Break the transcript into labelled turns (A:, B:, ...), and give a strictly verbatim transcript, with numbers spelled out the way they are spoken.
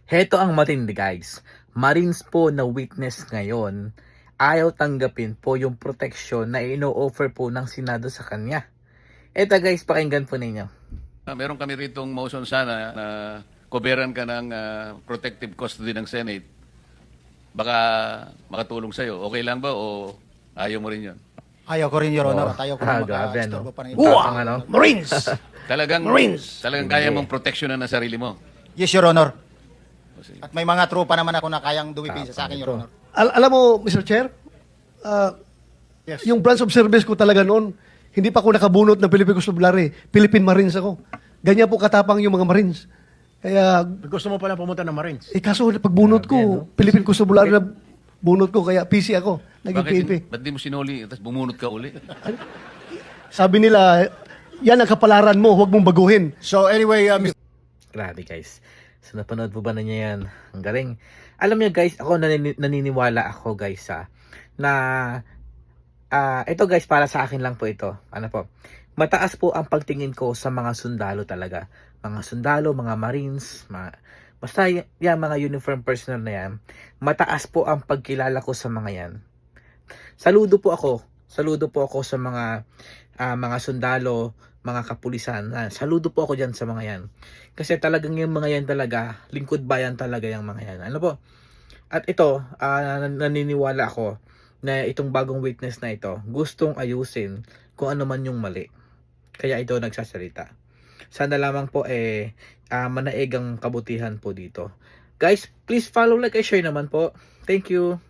A: Heto ang matindi guys. Marines po na witness ngayon, ayaw tanggapin po yung proteksyon na ino-offer po ng Senado sa kanya. Eto guys, pakinggan po ninyo.
B: Ah, meron kami ritong motion sana na koberan ka ng ah, protective custody ng Senate. Baka makatulong sa'yo. Okay lang ba o ayaw mo rin yun?
C: Ayaw ko rin, Your Honor.
A: Oh,
C: At ayaw ko
A: ah,
C: rin
A: grabe,
C: maka-istorbo
A: no?
C: pa ng
A: Wow!
C: iba.
A: Tapang, ano?
D: Marines!
B: Talagang,
D: Marines!
B: talagang kaya mong proteksyonan ang sarili mo.
C: Yes, Your Honor.
B: O, sige.
C: At may mga tropa naman ako na kayang dumipinsa sa akin, Your Honor.
D: Al- alam mo, Mister Chair, ah,
C: Yes.
D: yung branch of service ko talaga noon, hindi pa ako nakabunot ng Philippine Constabulary. Philippine Marines ako. Ganyan po katapang yung mga Marines. Kaya,
E: Gusto mo pala pumunta ng Marines?
D: eh kaso pagbunot ko, Philippine Constabulary na bunot ko, kaya P C ako, naging P N P.
B: Bakit, ba't di mo sinuli tapos bumunot ka uli?
D: Sabi nila, yan ang kapalaran mo, huwag mong baguhin.
C: So anyway, uh, Mister
A: Grabe guys. So napanood po ba ninyo yan? Ang galing. Alam niyo guys, ako nanini- naniniwala ako guys ha, na ah ito guys, para sa akin lang po ito. Ano po? Mataas po ang pagtingin ko sa mga sundalo talaga. Mga sundalo, mga Marines, mga, basta y- yan, mga uniform personnel na yan. Mataas po ang pagkilala ko sa mga yan. Saludo po ako. Saludo po ako sa mga ah, mga sundalo, mga kapulisan. Ah, saludo po ako diyan sa mga yan. Kasi talagang yung mga yan talaga, lingkod bayan talaga yung mga yan. Ano po? At ito, ah, nan- naniniwala ako na itong bagong witness na ito, gustong ayusin kung ano man yung mali. Kaya ito nagsasalita. Sana lamang po eh ah, manaig ang kabutihan po dito. Guys, please follow, like, and share naman po. Thank you.